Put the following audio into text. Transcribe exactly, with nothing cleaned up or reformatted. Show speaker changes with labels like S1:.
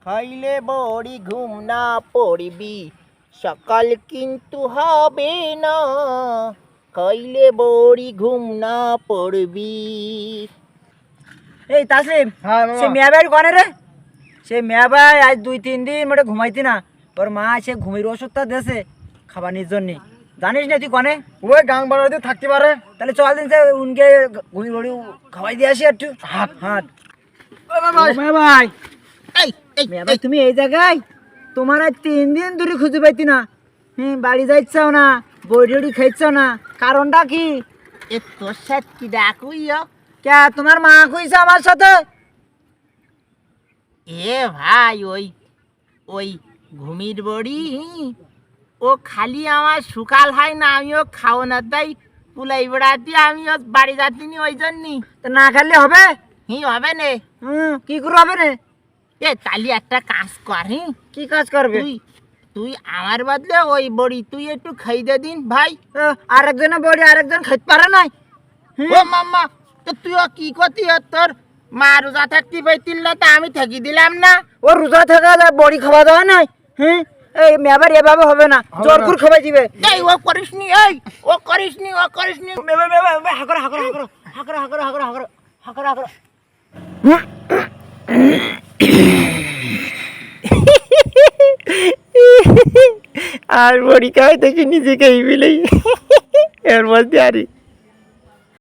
S1: খাইলে বড়ি ঘুম না পড়বি, সকাল কিন্তু হবে না। খাইলে বড়ি ঘুম না পড়বি।
S2: এই তাসলিম,
S1: হ্যাঁ
S2: সে মিয়া ভাই কনে রে? সে মিয়া ভাই আজ দুই তিন দিন মোটে ঘুমাইতি না, ওর মা সে ঘুমের ওষুধটা দেছে খাবানির জন্য। জানিস না তুই কনে?
S1: ওই গাং বাড়াতে থাকতে পারে।
S2: তাহলে চল দিন সে উনকে ঘুমি ঘুড়ি খাওয়াই দিয়ে আসি একটু। হাট হাট মিয়া ভাই,
S1: এই এই
S2: মিয়া ভাই তুমি এই জায়গায়? তোমার আজ তিন দিন ধরে খুঁজে পাইতি না। হুম, বাড়ি যাইছাও না, বই টড়ি খাইছাও না, কারণটা কি?
S1: এ তোর সাথে কি ডাকুইও?
S2: কে তোমার মা কইছে আমার সাথে?
S1: এ ভাই ওই ওই ঘুমির বড়ি ও খালি আমার সুকাল হয় না, আমিও খাও না তাই পুলাই বেড়াতে আমিও বাড়ি যাচ্ছিনি ওই জন্যই।
S2: তো না খাইলে হবে?
S1: হি হবে নে।
S2: হুম, কি করে হবে না?
S1: এ তালি একটা কাজ কর। হি
S2: কি কাজ করবে?
S1: তুই তুই আমার বদলে ওই বড়ি তুই একটু খাই দে দিন ভাই।
S2: আরেকজনের বড়ি আরেকজন খাইতে পারে নাই?
S1: ও মাম্মা, তো তুইও কি করতি? তোর মা রোজা থাকতে পাইতিল না, তা আমি থাকি দিলাম না।
S2: ও রোজা থাকা বড়ি খাওয়া দাওয়া নাই? হ্যাঁ, এই মেবার এভাবে হবে না, জোর করে খাওয়াই দিবে।
S1: এই ও করিসনি, এই ও করিসনি, ও করিসনি।
S2: মেবা মেবা হাকর হাকর হাকর হাকর হাকর হাকর হাকর হাকর হাকর।
S1: আর বড়ি খাওয়াই দেখি নিজেকে এই বিলেই এর মধ্যে আরে